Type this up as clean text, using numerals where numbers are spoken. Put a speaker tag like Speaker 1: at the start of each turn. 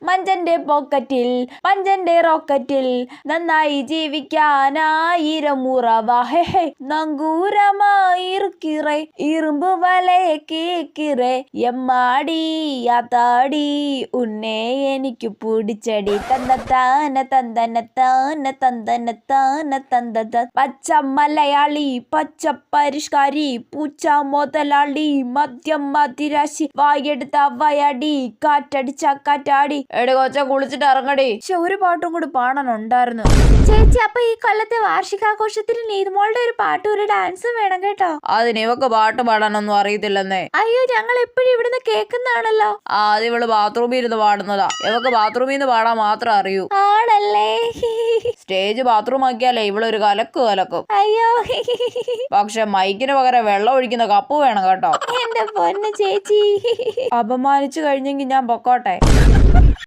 Speaker 1: മഞ്ചന്റെ പോക്കറ്റിൽ പഞ്ചന്റെ റോക്കറ്റിൽ നന്നായി ജീവിക്കാനായിരം ഉറവ ഹെ നങ്കൂരമായിറുക്കിറേ ഇരുമ്പ് വലയെ കേക്കിറേ എമ്മാടി യാത്താടി ഉന്നേ എനിക്ക് പിടിച്ചടി തന്നത്താന തന്തനത്താന തന്തനത്താന തന്തത പച്ച മലയാളി പച്ച പരിഷ്കാരി പൂച്ച മുതലാളി മദ്യം മതിരാശി വായെടുത്ത വയടി കാറ്റടിച്ച കാറ്റാടി എടി കൊച്ച കുളിച്ചിട്ട് ഇറങ്ങടി. ഒരു പാട്ടും കൂടി പാടാനുണ്ടായിരുന്നു ചേച്ചി. അപ്പൊ ഈ കൊല്ലത്തെ വാർഷികാഘോഷത്തിന് നീതുമോളുടെ ഒരു പാട്ടും ഒരു ഡാൻസും വേണം കേട്ടോ. അതിന് ഇവക്ക് പാട്ട് പാടാനൊന്നും അറിയത്തില്ലെന്നേ. അയ്യോ ഞങ്ങൾ എപ്പോഴും ഇവിടുന്ന് കേൾക്കുന്നതാണല്ലോ. അത് ഇവള് ബാത്റൂമിൽ ഇരുന്ന് പാടുന്നതാ. ഇവക്ക് ബാത്റൂമിൽ നിന്ന് പാടാൻ മാത്രം അറിയൂ. ആണല്ലേ. സ്റ്റേജ് ബാത്റൂം ആക്കിയാലേ ഇവളൊരു കലക്കും. അയ്യോ പക്ഷെ മൈക്കിന് പകരം വെള്ളം ഒഴിക്കുന്ന കപ്പ് വേണം കേട്ടോ. എന്റെ പൊന്ന് ചേച്ചി. അപമാനിച്ചു കഴിഞ്ഞെങ്കിൽ ഞാൻ പൊക്കോട്ടെ.